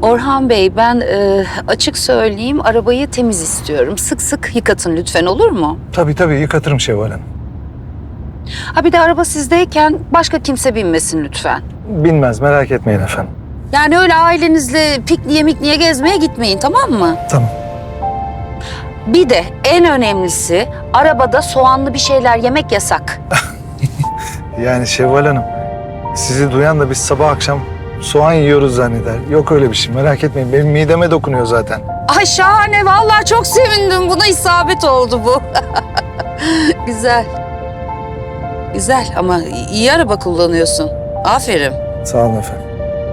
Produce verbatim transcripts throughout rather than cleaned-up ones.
Orhan Bey, ben e, açık söyleyeyim, arabayı temiz istiyorum. Sık sık yıkatın lütfen, olur mu? Tabii tabii yıkatırım Şevval Hanım. Ha bir de araba sizdeyken başka kimse binmesin lütfen. Bilmez, merak etmeyin efendim. Yani öyle ailenizle pikniğe mikniğe gezmeye gitmeyin, tamam mı? Tamam. Bir de en önemlisi, arabada soğanlı bir şeyler yemek yasak. Yani Şevval Hanım, sizi duyan da biz sabah akşam soğan yiyoruz zanneder. Yok öyle bir şey, merak etmeyin. Benim mideme dokunuyor zaten. Ay şahane, vallahi çok sevindim. Buna isabet oldu bu. Güzel. Güzel ama iyi araba kullanıyorsun. Aferin. Sağ olun efendim.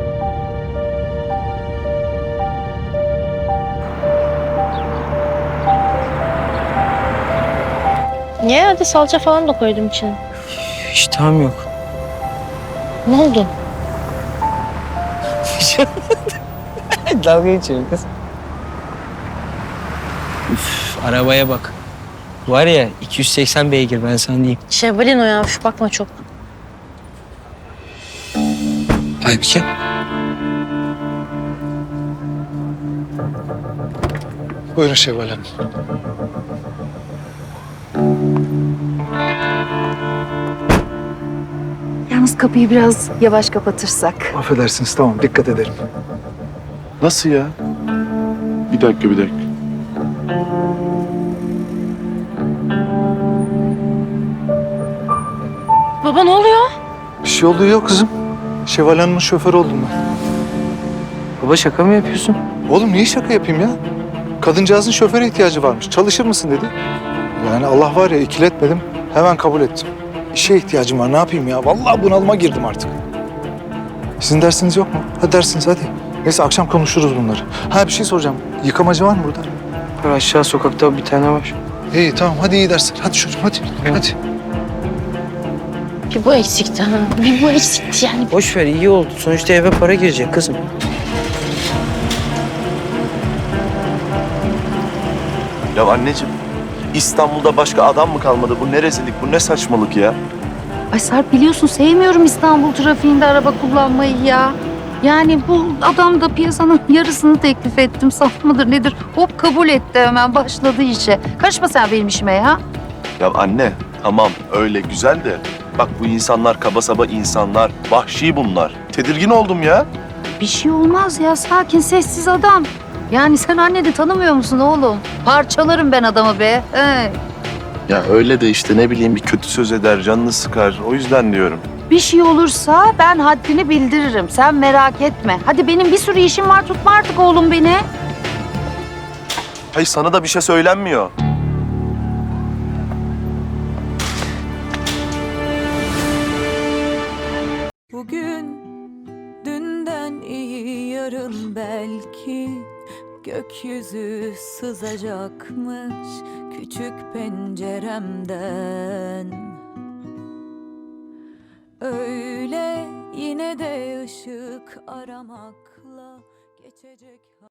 Niye? Hadi salça falan da koydum içine. İştahım yok. Ne oldu? Dalga geçiyorum kız. Üf, arabaya bak. Var ya iki yüz seksen beygir ben sana diyeyim. Şevvalin o ya. Şu bakma çok. Aybike. Buyurun Şevval Hanım. Yalnız kapıyı biraz yavaş kapatırsak. Affedersiniz, tamam, dikkat ederim. Nasıl ya? Bir dakika, bir dakika. Baba ne oluyor? Bir şey olduğu yok kızım. Şevval Hanım'ın şoförü oldum ben. Baba şaka mı yapıyorsun? Oğlum niye şaka yapayım ya? Kadıncağızın şoföre ihtiyacı varmış. Çalışır mısın dedi. Yani Allah var ya, ikiletmedim. Hemen kabul ettim. İşe ihtiyacım var, ne yapayım ya? Vallahi bunalıma girdim artık. Sizin dersiniz yok mu? Hadi dersiniz hadi. Neyse akşam konuşuruz bunları. Ha bir şey soracağım. Yıkamacı var mı burada? Var, aşağı sokakta bir tane var. İyi tamam, hadi iyi dersler. Hadi çocuğum hadi. Hadi. Bir bu eksikti ha. Bir bu eksikti yani. Boş ver, iyi oldu. Sonuçta eve para girecek kızım. Ya anneciğim, İstanbul'da başka adam mı kalmadı? Bu ne rezillik, bu ne saçmalık ya? Ay Sarp, biliyorsun sevmiyorum İstanbul trafiğinde araba kullanmayı ya. Yani bu adam da piyasanın yarısını teklif ettim. Saf mıdır nedir? Hop kabul etti, hemen başladı işe. Karışma sen benim işime ya. Ya anne, tamam öyle güzel de... Bak bu insanlar kaba saba insanlar, vahşi bunlar. Tedirgin oldum ya. Bir şey olmaz ya, sakin sessiz adam. Yani sen anneni tanımıyor musun oğlum? Parçalarım ben adamı be. He. Ya öyle de işte ne bileyim bir kötü söz eder, canını sıkar. O yüzden diyorum. Bir şey olursa ben haddini bildiririm. Sen merak etme. Hadi benim bir sürü işim var, tutma artık oğlum beni. Hayır sana da bir şey söylenmiyor. Bugün dünden iyi, yarın belki gökyüzü sızacakmış küçük penceremden. Öyle yine de ışık aramakla geçecek.